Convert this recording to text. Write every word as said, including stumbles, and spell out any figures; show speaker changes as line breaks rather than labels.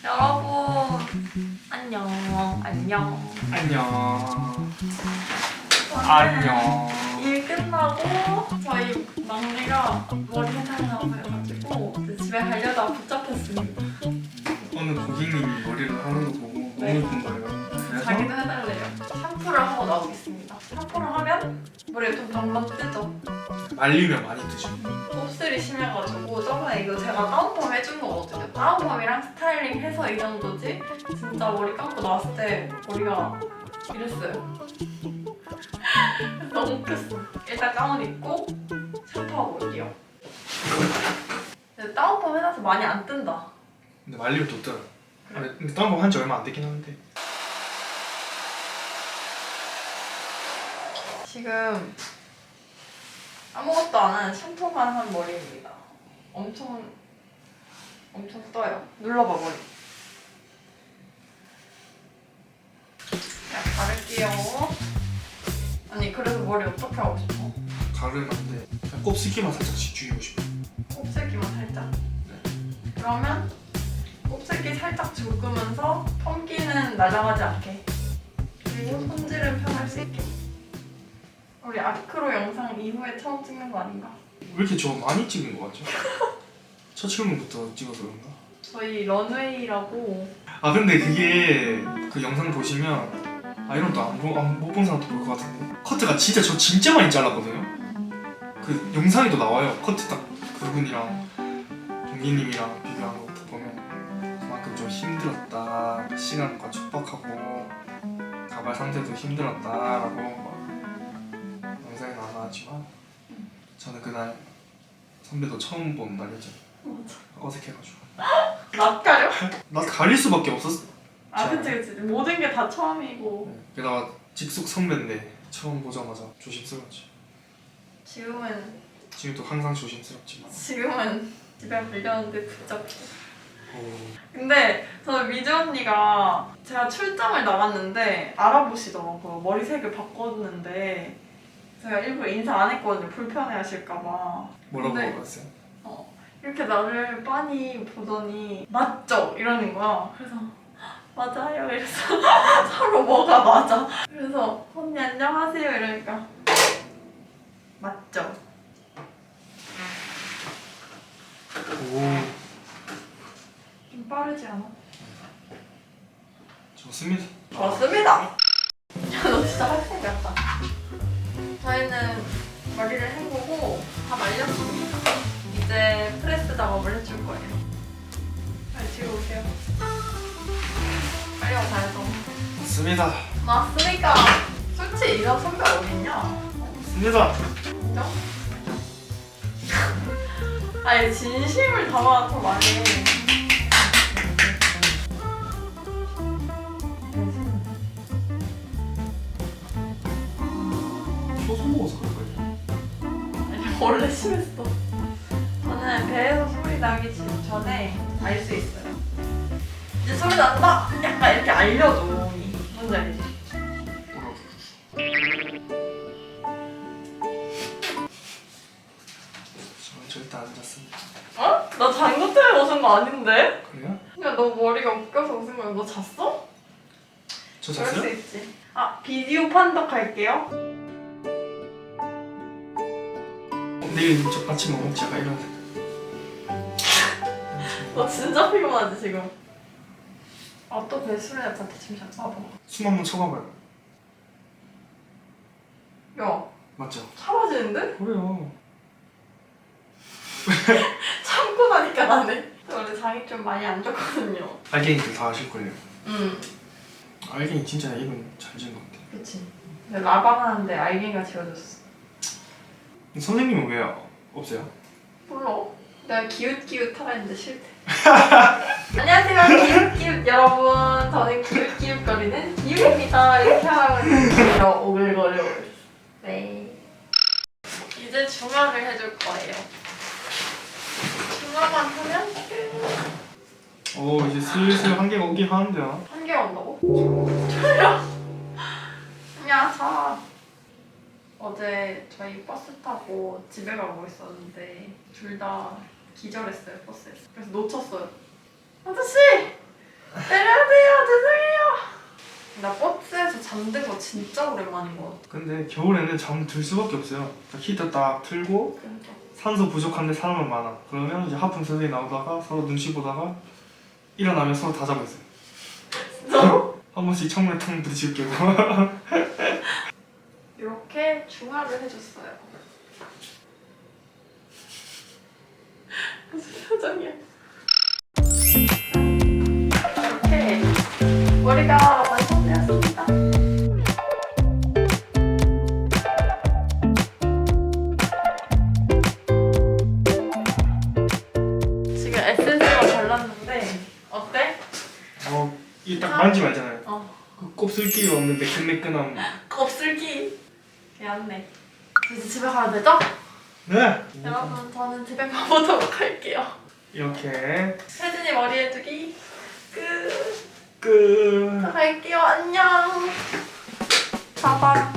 여러분 안녕 안녕
안녕.
오늘
안녕.
일 끝나고 저희 막내가 머리 해달라고 해가지고 이제 집에 가려다가 붙잡혔습니다.
오늘 고객님이 머리를 하는 거 보고
네.
너무 예쁜 거예요. 그래서
자기도 해달래요. 샴푸를 하고 나오겠습니다. 샴푸를 하면 머리가 좀 방방 뜨죠.
말리면 많이 뜨죠.
곱슬이 심해가지고 저번에 이거 제가 다운펌 해준 거거든요. 다운펌이랑 스타일링 해서 이 정도지 진짜 머리 감고 나왔을 때 머리가 이랬어요. 너무 웃겼어. 일단 가운 입고 샴푸하고 올게요. 근데 다운펌 해놔서 많이 안 뜬다.
근데 말리면 또 뜨요.
그래?
근데 다른 거 한 지 얼마 안 됐긴 한데.
지금 아무것도 안 한 샴푸만 한 머리입니다. 엄청 엄청 떠요. 눌러봐 머리. 그냥 가를게요. 아니 그래서 머리 어떻게 하고 싶어?
가르면 안 돼. 그냥 곱슬기만 살짝씩 죽이고 싶어.
곱슬기만 살짝.
네.
그러면 곱슬기 살짝 죽으면서 펌기는 날아가지 않게. 그리고 손질은 편할 수 있게. 우리 아크로 영상 이후에 처음 찍는 거 아닌가?
왜 이렇게 저 많이 찍은 거 같죠? 첫 출근부터 찍어서 그런가?
저희 런웨이라고.
아 근데 그게 그 영상 보시면 아 이런 또못 본 사람도 볼 것 같은데 커트가 진짜 저 진짜 많이 잘랐거든요. 그 영상에도 나와요. 커트 딱 그분이랑 동기님이랑 비교한 거 보면 그만큼 좀 힘들었다. 시간과 촉박하고 가발 상태도 힘들었다라고 막 영상에 나와지만 저는 그날 선배도 처음 본 날이죠.
맞아.
어색해가지고
낯 가려?
나 가릴 수밖에 없었어.
아 그치 그치. 모든 게 다 처음이고.
네. 게다가 직속 선배인데 처음 보자마자 조심스러웠지.
지금은
지금도 항상 조심스럽지만.
지금은 집에 불렸는데 붙잡고.
오.
근데 저는 미주 언니가 제가 출장을 나갔는데 알아보시더라고요. 머리색을 바꿨는데 제가 일부러 인사 안 했거든요. 불편해하실까봐.
뭐라고
근데
물어봤어요?
어, 이렇게 나를 빤히 보더니 맞죠? 이러는 거야. 그래서 맞아요. 이래서 서로 뭐가 맞아. 그래서 언니 안녕하세요 이러니까 맞죠?
오.
좀 빠르지 않아?
좋습니다.
좋습니다. 야 너 진짜 학생 같다. 저희는 머리를 헹구고 다 말렸습니다. 이제 프레스 작업을 해줄 거예요. 빨리 뒤로 오세요. 빨리 와서 해서.
좋습니다.
맞습니까? 솔직히 이런 선배 어딨냐?
좋습니다.
인정? 아니 진심을 담아서 많이 해.
소소 먹어서 그럴 거예요.
아니 원래 심했어. 저는 배에서 소리 나기 전에 알 수 있어요. 이제 소리 난다! 약간 이렇게 알려줘. 뭔지 알지?
뭐라고? 저는 절대 안 잤습니다.
어? 나 잔거 때문에 웃은 거 아닌데?
그래요?
그냥 너 머리가 웃겨서 웃은 거야. 너 잤어?
저
그럴 수
잤어요?
있지. 아 비디오 판독할게요.
어, 내일 저 아침 뭐 먹지? 약간 이런.
너 진짜 피곤하지 지금? 아 또 배수래 약간 지금 잠깐 봐봐.
숨 한번 쳐봐봐요.
야
맞죠?
사라지는데?
그래요.
참고 나니까 나네. 원래 장이 좀 많이 안 좋거든요.
알갱이들 다 아실걸요.
응.
알갱이 진짜 이건 잘 지은 것 같아.
그치. 근데 라방 하는데 알갱이가 지워졌어.
선생님은 왜 없어요?
몰라. 내가 기웃기웃 하라 했는데 싫대. 안녕하세요 기웃기웃 여러분. 저는 기웃기웃거리는 기웃입니다. 이렇게 하라고 했는데 오글거려. 네. 이제 중화를 해줄 거예요. 중화만 하면 끝.
오 이제 슬슬 한개가 오긴 하는데요.
한 개 온다고? 졸려. 야 자. 어제 저희 버스 타고 집에 가고 있었는데 둘 다 기절했어요 버스에서. 그래서 놓쳤어요. 아저씨! 잠든 거 진짜 오랜만인 것 같아.
근데 겨울에는 잠 들 수밖에 없어요. 딱 히터 딱 틀고
그러니까.
산소 부족한데 사람은 많아. 그러면 이제 하품 서서히 나오다가 서로 눈치 보다가 일어나면 서로 다 자고 있어요.
진짜?
한 번씩 창문에 탕 부딪히고.
이렇게 중화를 해줬어요. 무슨 표정이야? 이렇게 머리가 완성되었습니다. 지금 에센스가 발랐는데 어때?
어, 이 딱 만지면 알잖아요.
어.
그 곱슬기 없는 매끈매끈함.
곱슬기. 미안해. 이제 집에 가야 되죠?
네.
여러분 저는 집에 가보도록 할게요.
이렇게
혜진이 머리 해주기 끝.
끝.
갈게요. 안녕. 빠밤.